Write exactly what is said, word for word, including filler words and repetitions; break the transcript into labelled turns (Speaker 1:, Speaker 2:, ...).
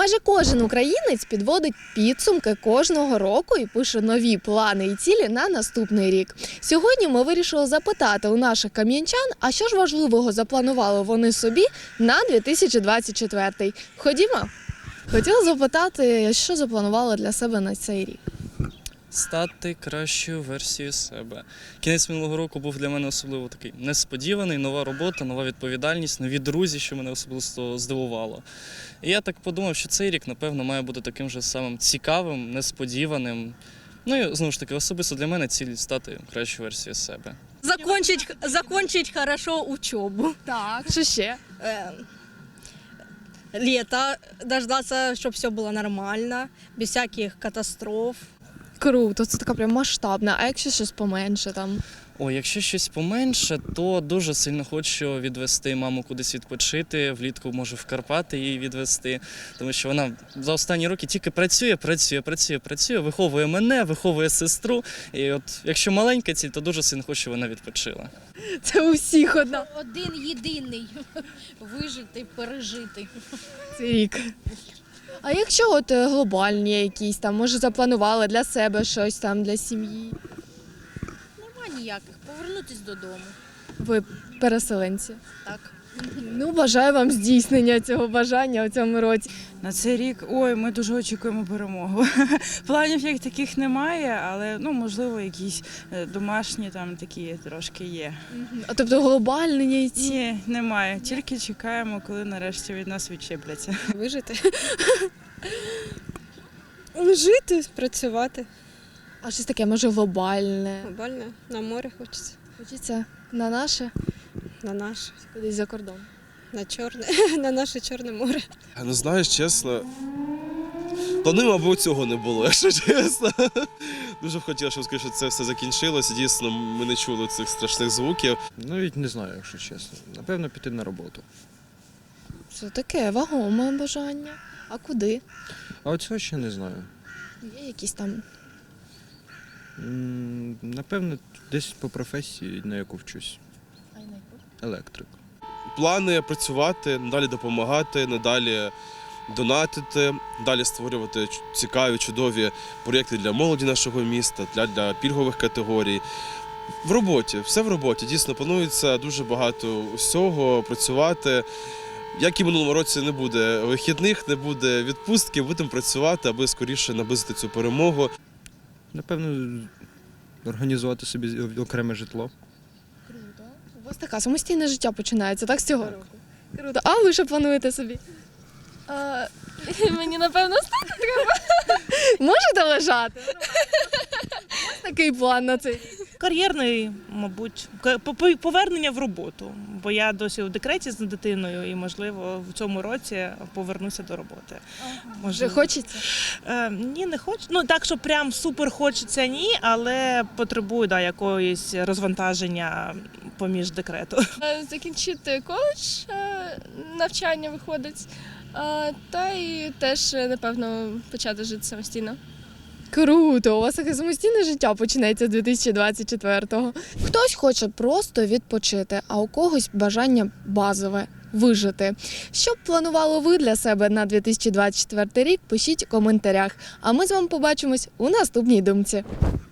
Speaker 1: Майже кожен українець підводить підсумки кожного року і пише нові плани і цілі на наступний рік. Сьогодні ми вирішили запитати у наших кам'янчан, а що ж важливого запланували вони собі на дві тисячі двадцять четвертий. Ходімо. Хотіла запитати, що запланували для себе на цей рік?
Speaker 2: Стати кращою версією себе. Кінець минулого року був для мене особливо такий несподіваний, нова робота, нова відповідальність, нові друзі, що мене особисто здивувало. І я так подумав, що цей рік, напевно, має бути таким же самим цікавим, несподіваним. Ну і, знову ж таки, особисто для мене ціль стати кращою версією себе.
Speaker 3: Закончить, закончить хорошо учебу.
Speaker 1: Так. Що ще?
Speaker 3: Э, лето, дождаться, чтобы все было нормально, без всяких катастроф.
Speaker 1: Круто, це така прям масштабна. А якщо щось поменше там?
Speaker 2: О, якщо щось поменше, то дуже сильно хочу відвести маму кудись відпочити, влітку можу в Карпати її відвести, тому що вона за останні роки тільки працює, працює, працює, працює, виховує мене, виховує сестру. І от якщо маленька ціль, то дуже сильно хочу, щоб вона відпочила.
Speaker 1: Це у всіх одна.
Speaker 4: Один єдиний вижити, пережити.
Speaker 1: Цей рік. А якщо от е, глобальні якісь там, може запланували для себе щось там, для сім'ї?
Speaker 4: Нема ніяких. Повернутись додому.
Speaker 1: Ви переселенці.
Speaker 4: Так.
Speaker 1: Ну, бажаю вам здійснення цього бажання у цьому році.
Speaker 5: На цей рік, ой, ми дуже очікуємо перемогу. Планів як таких немає, але, ну, можливо, якісь е, домашні там такі трошки є.
Speaker 1: А тобто глобальні ці?
Speaker 5: Ні, немає. Тільки чекаємо, коли нарешті від нас відчепляться.
Speaker 6: Вижити. Жити, працювати.
Speaker 1: А щось таке, може, глобальне?
Speaker 6: Глобально. На море хочеться.
Speaker 1: Хочеться на наше,
Speaker 6: На наше.
Speaker 1: кудись за кордон.
Speaker 6: На чорне. На наше Чорне море.
Speaker 7: Ну, знаєш, чесно, плану, мабуть, цього не було, якщо чесно. Дуже б хотів, щоб скоріше це все закінчилося. Дійсно, ми не чули цих страшних звуків.
Speaker 8: Навіть не знаю, якщо чесно. Напевно, піти на роботу.
Speaker 1: Це таке вагоме бажання. А куди?
Speaker 8: А от цього ще не знаю.
Speaker 1: Є якісь там.
Speaker 8: М, Напевно, десь по професії, на яку вчусь. Електрик.
Speaker 7: Плани працювати, надалі допомагати, надалі донатити, далі створювати ч- цікаві, чудові проєкти для молоді нашого міста, для, для пільгових категорій. В роботі, все в роботі. Дійсно, планується дуже багато усього, працювати. Як і в минулому році не буде вихідних, не буде відпустки, будемо працювати, аби скоріше наблизити цю перемогу.
Speaker 8: Напевно, організувати собі окреме житло.
Speaker 1: Круто. У вас така самостійне життя починається, так, з цього року? Круто. А ви що плануєте собі?
Speaker 4: А, мені, напевно, стати треба.
Speaker 1: Можете лежати? Ось такий план на цей рік.
Speaker 9: Кар'єрний, мабуть, К- по- повернення в роботу, бо я досі у декреті з дитиною і, можливо, в цьому році повернуся до роботи.
Speaker 1: Вже
Speaker 9: Можливо.
Speaker 1: хочеться?
Speaker 9: Е, ні, не хочу. Ну, так, що прям супер хочеться, ні, але потребую да, якоїсь розвантаження поміж декрету.
Speaker 10: Закінчити коледж, е, навчання виходить, е, та і теж, е, напевно, почати жити самостійно.
Speaker 1: Круто, у вас таке самостійне життя починається з дві тисячі двадцять четвертого. Хтось хоче просто відпочити, а у когось бажання базове – вижити. Що б планували ви для себе на дві тисячі двадцять четвертий рік, пишіть у коментарях. А ми з вами побачимось у наступній думці.